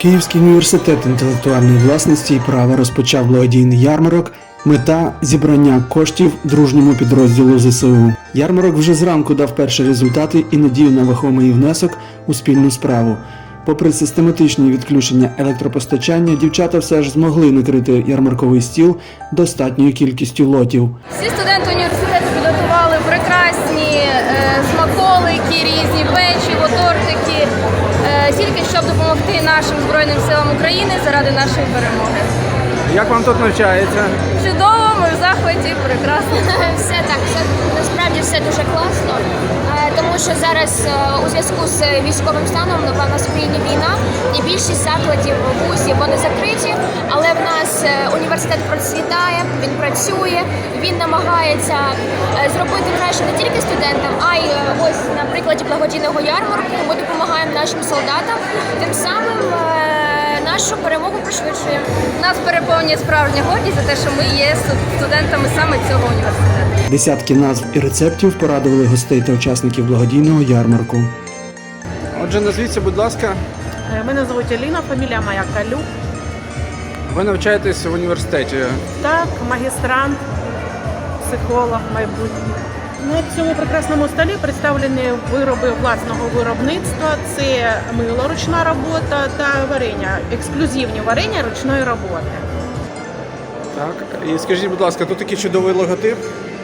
Київський університет інтелектуальної власності і права розпочав благодійний ярмарок. Мета – зібрання коштів дружньому підрозділу ЗСУ. Ярмарок вже зранку дав перші результати і надію на вагомий внесок у спільну справу. Попри систематичні відключення електропостачання, дівчата все ж змогли накрити ярмарковий стіл достатньою кількістю лотів. Всі студенти університету підготували прекрасні смаколики, різні печиво, тортики, тільки щоб допомогти нашим Збройним силам України заради нашої перемоги. Як вам тут навчається? Чудово, ми в захваті, прекрасно. Все так, насправді все дуже класно, тому що зараз у зв'язку з військовим станом, напевно, в країні війна, і більшість закладів, вузів, вони закриті, але в нас університет процвітає, він працює, він намагається зробити краще не тільки студентам, а й ось на прикладі благодійного ярмарку ми допомагаємо нашим солдатам, тим самим нашу перемогу пришвидшуємо. Нас переповнює справжня гордість за те, що ми є студентами саме цього університету. Десятки назв і рецептів порадували гостей та учасників благодійного ярмарку. Отже, назвіться, будь ласка. Мене звуть Аліна, фамілія моя Калюк. Ви навчаєтесь в університеті. Так, магістрант, психолог майбутній. На цьому прекрасному столі представлені вироби власного виробництва. Це мило, ручна робота та варення, ексклюзивні варення ручної роботи. Так, і скажіть, будь ласка, тут такий чудовий логотип.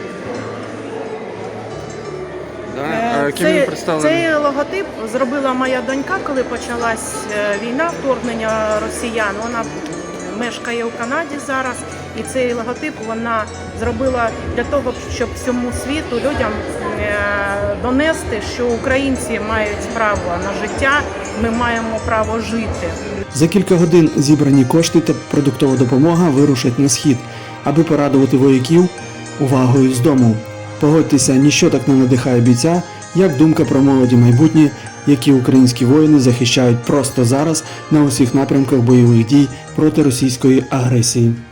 Ким він представлений? Цей логотип зробила моя донька, коли почалась війна, вторгнення росіян. Вона мешкає у Канаді зараз, і цей логотип вона зробила для того, щоб всьому світу, людям донести, що українці мають право на життя, ми маємо право жити. За кілька годин зібрані кошти та продуктова допомога вирушать на схід, аби порадувати вояків увагою з дому. Погодьтеся, ніщо так не надихає бійця, як думка про молоді майбутнє, які українські воїни захищають просто зараз на усіх напрямках бойових дій проти російської агресії.